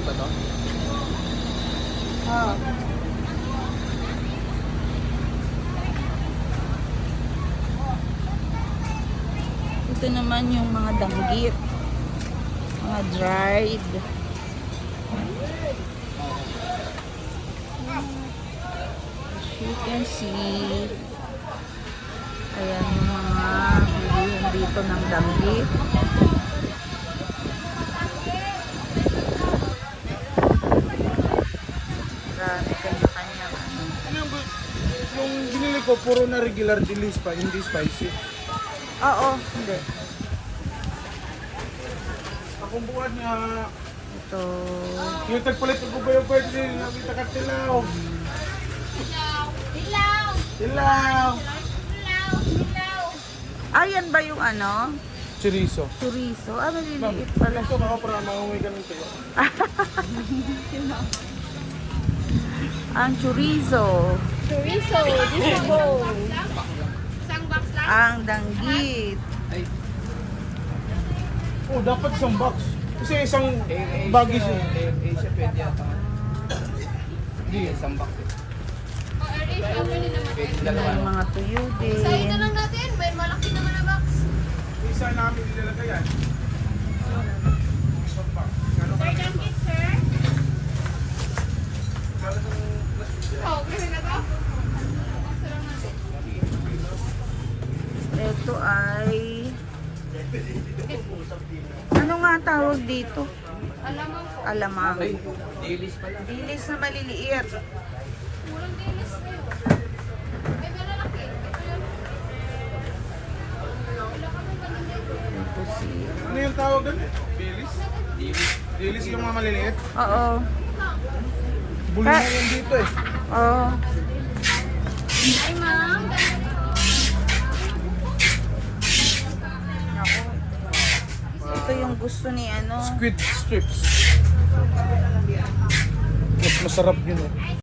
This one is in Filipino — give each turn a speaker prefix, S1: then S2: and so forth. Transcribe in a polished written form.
S1: ba to?
S2: Oh. Ito naman yung mga danggit. Mga dried. As you can see, ayan yung mga bilihan dito ng danggit. Marami kanya-kanyang ano.
S1: Ano yung binili ko, puro na regular dilis pa, hindi spicy.
S2: Oo, hindi.
S1: Akong buwan niya,
S2: Ito.
S1: yung tagpalit ko ba yung pwede din, nakita ka tilaw. Tilaw!
S2: Ayan ba yung ano?
S1: Chorizo.
S2: Chorizo? Ah, maliliit
S1: Ito
S2: pala.
S1: ako para maungi ka ng tiyo.
S2: Ang chorizo.
S3: Chorizo, this is go.
S2: Ang danggit.
S1: Oh, dapat isang box. Kasi isang bagis eh.
S4: Asia pwede yata. Hindi, isang box eh. Pwede dalawa.
S2: May mga tuyo din.
S3: Sa'yo na lang natin, may malaki naman na box.
S1: Isa namin nilalagay yan. Isang box. Ano ka?
S3: Sir, don't get, sir. Oh, kasi na to? Box lang natin.
S2: Ito ay... Ano nga ang tawag dito?
S3: Alamang po.
S2: Alamang.
S4: Ay, dilis pala.
S2: Dilis na maliliit.
S3: Walang dilis kayo. May malalaki. Ito yun. Wala kami ganun dito.
S2: Ito si...
S1: Ano yung tawag doon? Dilis?
S4: Dilis.
S1: Dilis yung mga maliliit.
S2: Oo.
S1: Bulma yan dito eh.
S2: Oo.
S3: Ay, ma'am.
S2: Naku. Ito yung gusto ni ano.
S1: Squid strips. Mas masarap yun eh.